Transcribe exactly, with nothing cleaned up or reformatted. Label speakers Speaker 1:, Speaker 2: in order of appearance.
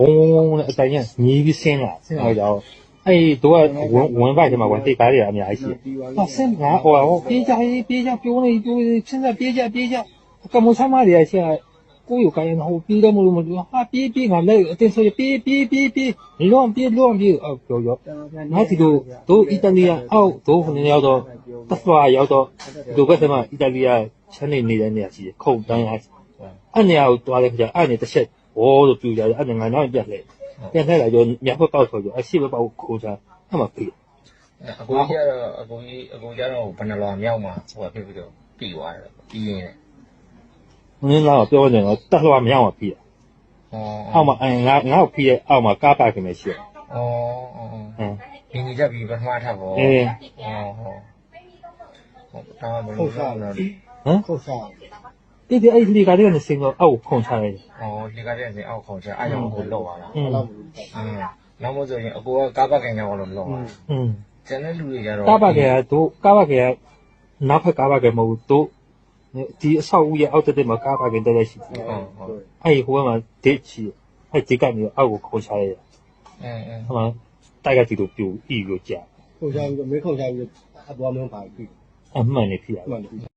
Speaker 1: 嗡嗡嗡的，咱也你比先了，先了就，哎，都要文文化去嘛，文对白的也没系。啊，先拿我我别家别家标呢标，现在别家别家，干么他妈的现在。ကိုယ်ကိုယ်ရဟိုပြေးတော့မလို့မလို့ဟာပြေးပြေးငါလည်းအတင်းဆိုပြေးပြေးပြေးပြေးလွန်ပြေးလွန်ပြေးအော်ပြောရောနောက်ဒီလိုတို့အီတလီယာအောက်တို့ခဏရောက်တော့တက်စွာရောက်တော့ဒီဘက်မှာအီတလီယာချမ်းနေနေတဲ့နေရာရှိတယ်ခုတ်တန်းအားအဲ့နေရာကိုတွားလိုက်ကြအဲ့နေတစ်ချက်ဘောလို့ပြူကြတယ်အဲ့ငါနောက်ပြတ်လိုက်ပြတ်လိုက်လာရောညဘက်ပေါက်ဆိုရောအရှိဘက်ပေါက်ခိုးချအဲ့မှာပြေး
Speaker 2: အကိုကြီးကတော့အကိုကြီးအကိုကျတော့ဘယ်နှလွာမြောက်မှာဟိုဖြစ်ပြီးတော့ပြီးသွားတယ်ပြီးရင်
Speaker 1: နင်းလာပြောနေတော့တက်လွားမရအောင်ပြေးအောက်မှာငါငါ့ကိုပြေးတဲ့အောက်မှာကားပါခင်မရှိဘူး
Speaker 2: 哦哦哦ဒီနေ့ကြပြီးပထမထပ်ပေါ့
Speaker 1: အေး
Speaker 2: ဟောဟုတ်ဒါမှမဟုတ်
Speaker 3: ဟုတ်စားတယ်
Speaker 1: ဟမ်
Speaker 3: ဟုတ်စား
Speaker 1: ဒီဒီအဲ့ဒီကတည်းကနေစင်တော့အောက်ခုန်ချလိုက်တယ်
Speaker 2: 哦ဒီကတည်းကနေအောက်ခုန်ချအားကြောင့်ကိုလောက်လာတာ
Speaker 1: อืม
Speaker 2: อืมနောက်မို့ဆိုရင်အကိုကကားပါခင်ကြောင့်လို့လောက်လာ
Speaker 1: อืม
Speaker 2: ကျန်တဲ့လူတွေကြတော့
Speaker 1: ကားပါခင်ကတို့ကားပါခင်ကနောက်ဖက်ကားပါခင်မဟုတ်တို့ဒီအဆောက်အဦရဲ့အောက်တက်မှာကားပါခင်တက်ရရှိတယ်
Speaker 2: ဟုတ်ဟုတ်
Speaker 1: အဲ့ဒီဟိုဘက်မှာဒစ်ချီအဲ့ဒီကနေအောက်ကိုခုန်ချလိုက်တယ်
Speaker 2: အင်းအင်း
Speaker 1: ဟိုမှာတိုက်ကတီတို့ပြူဤကိုကြာ
Speaker 3: ဟုတ်စားပြီးတော့မင်းခုတ်စားပြီးတော့အပေါ်မင်းပါပြီ
Speaker 1: အမှန်နေဖြစ်ရ
Speaker 3: မှန်တယ်